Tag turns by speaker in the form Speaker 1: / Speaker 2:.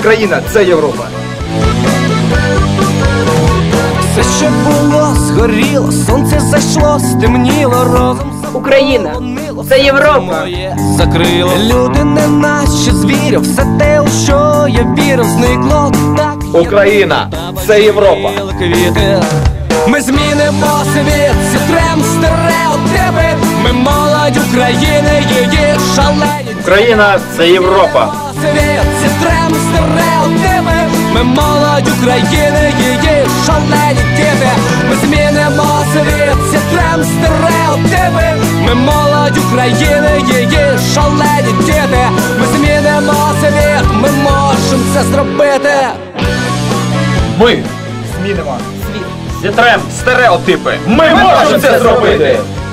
Speaker 1: Україна – це Європа.
Speaker 2: Все, що було, згоріло, сонце зайшло, стемніло разом.
Speaker 3: Україна – це Європа.
Speaker 2: Закрило. Люди не наші звірів, все те, у що я вірив, зникло так.
Speaker 1: Україна – це Європа.
Speaker 2: Ми змінимо світ, зітрем стереотипи. Ми молодь України, її шалені.
Speaker 1: Україна – це Європа.
Speaker 2: Світ, зітрем стереотипи. Ми молодь України, її шалені діти. Ми змінимо світ, зітрем стереотипи. Ми молодь України, її шалені діти. Ми змінимо світ, ми можемо це зробити.
Speaker 1: Ми змінимо світ. Зітрем стереотипи. Ми можемо це зробити!